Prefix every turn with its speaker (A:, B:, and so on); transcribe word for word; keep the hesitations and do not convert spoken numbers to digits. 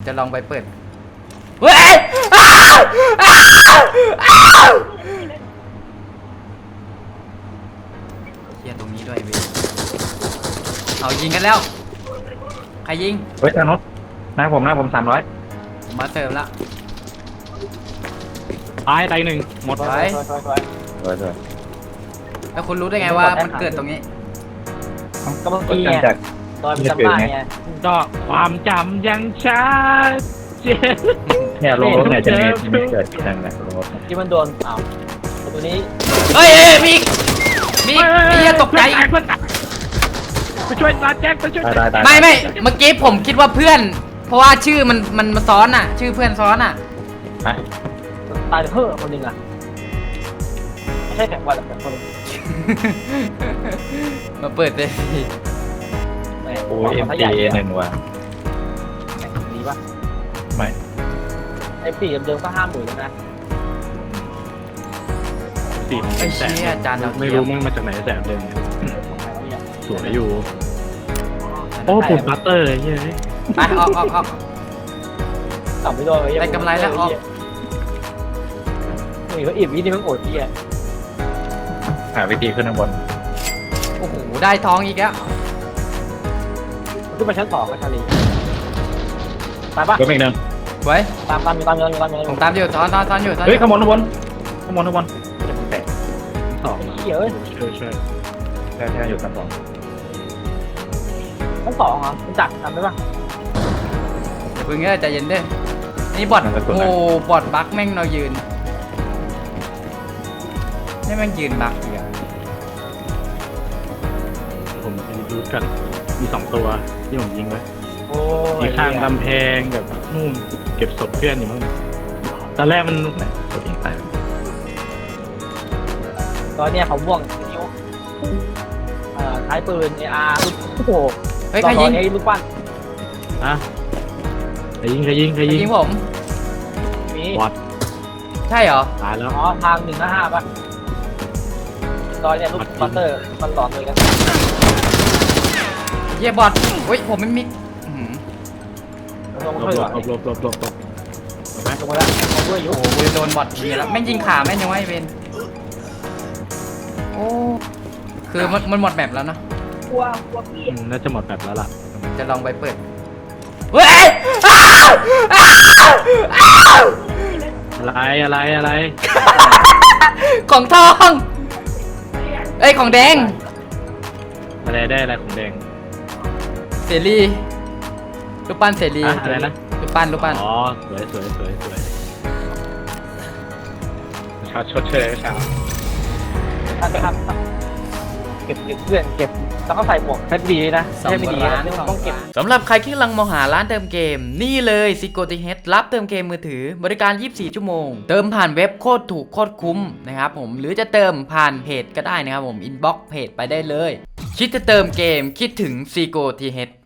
A: จะลองไปเปิดเฮ้ยเฮียตรงนี้ด้วยเว้ยเอายิงกันแล้วใครยิง
B: เฮ้ยทางโน้นหน้าผมหน้าผมสามร้อย
A: มาเติมละ
C: ตายตายหนึ่งหมด
A: ไป
B: สวยสวย
A: แล้วคุณรู้ได้ไงว่ามันเกิดตรงนี้
B: ก็มันเกิดจาก
D: ตอนจำได้ไง
C: ก็ความจำยังชัดเจน
B: เนี่ยโลรถเนี่ยจะมีมีเกิดที่ทางไหนโลรถ
D: ที่มันโดนอ้าวตัวนี้
A: เฮ้ยมีมีไอ้เหี้ยตกใจ
C: ไปช่วยตาแจ็คไปช่วย
A: ไม่ไม่เมื่อกี้ผมคิดว่าเพื่อนเพราะว่าชื่อมันมันมาซ้อนอ่ะชื่อเพื่อนซ้อนอ่ะ
D: ตายเพ้อคนหนึ่งอ่ะไม่ใช่แข่งวันแต่คน
A: มาเปิดเลย
B: โอ้ยเอ็มจีหนึ่งว่ะ
D: ดีป่ะ
B: ไม่
D: ไอ้สี่เดิมก็ห้าหมื่นแล้วนะ
C: สี่
A: ไอ้เชี่ยจานเรา
C: ไม่รู้มันมาจากไหนแสบเลยสวยอยู่โอ้ผมบัตเตอร์เลยเฮ้ย
A: ไปออกออกออก
D: ต่ำไม่โดน
A: ได้กำไรแล้วออก
D: นี่เขาอิ่มวิธีมันโอดพี่อ่ะ
B: หาวิธีขึ้นข้างบน
A: โอ้โหได้ทองอีกแล้ว
D: ขึ้นมาชั้นสองกันชาลีตามปะ
B: ก็ไม่เนิน
A: ไว้
D: ตามตามอยู่ตามอยู่ตามอยู่
A: ผมตามอยู่ซ้อนซ้อนซ้อนอยู่
B: เฮ้ยข้างบนข้างบนข้างบนข้างบนแตะ
C: สอง
D: เหี้ยเอ้ย
C: ช่วยช่วย
B: แค่แค่อยู่ชั้นสอง
D: ชั้นสองเหรอคุณจักรทำได้ปะ
A: พึ่งเงี้ยใจเย็นด้วยนี่บอทโอ้บอทบั๊กแม่งเรายืนนี่แม่งยืนบั๊กอีกอ่ะ
C: ผมดูกันมีสองตัวที่ผมยิงไว้
D: โอ้
C: มีข้างกำแพงแบบนู่นเก็บศพเพื่อนอยู่มั้งตอนแรกมัน
B: ไหนตัวเองตาย
D: ตอนเนี้ยเขาม่วงนิ้วเอ่อท้ายปืนเออาร์โอ้โห
A: เฮ้ยใครยิง
D: ไอ้ลูกปั้น
C: อะใครยิงใครยิงใครยิง
A: ยิงผม
D: มี
C: บอท
A: ใช่เหรอ
C: ตายแล้ว
D: อ๋อทางหนึ่งห้าห้าป่ะตอนเนี้ยลูกบัตเตอร์มันหลอนเลยกัน
A: เย่บอทเฮ้ยผมไม่มิก
D: ลง
C: หลบหลบหลบหลบหลบหลบ
D: ลงมาแล้วลงด้วยยุ
A: โอ้โหโดนบอทยิงแล้วแม่งยิงขาแม่งยังไงเป็นโอ้คือมันมันหมดแมปแล้วนะ
D: กลัวกลัวพี่
C: น่าจะหมดแบบแล้วล่ะ
A: จะลองไปเปิดเฮ้ย
C: อะไรอะไรอะไร
A: ของทองเอ้ยของแดง
C: อะไรได้อะไรของแดง
A: เสรีรูปปั้นเสรี
C: อะไรนะ
A: รูปปั้นรูปปั้น
C: อ๋อสวยสวยสวยสวยชาชดเชยชา
D: ท่านครับเก็บเพื่อนเก็บแล้วก็ใส่หมวกเพชรดีนะ
A: เพชรดีนะต้องเก็บสำหรับใครที่กำลังมองหาร้านเติมเกมนี่เลยซิโกติเฮดรับเติมเกมมือถือบริการยี่สิบสี่ชั่วโมงเติมผ่านเว็บโคตรถูกโคตรคุ้มนะครับผมหรือจะเติมผ่านเพจก็ได้นะครับผมอินบ็อกซ์เพจไปได้เลยคิดจะเติมเกมคิดถึงซิโกติเฮด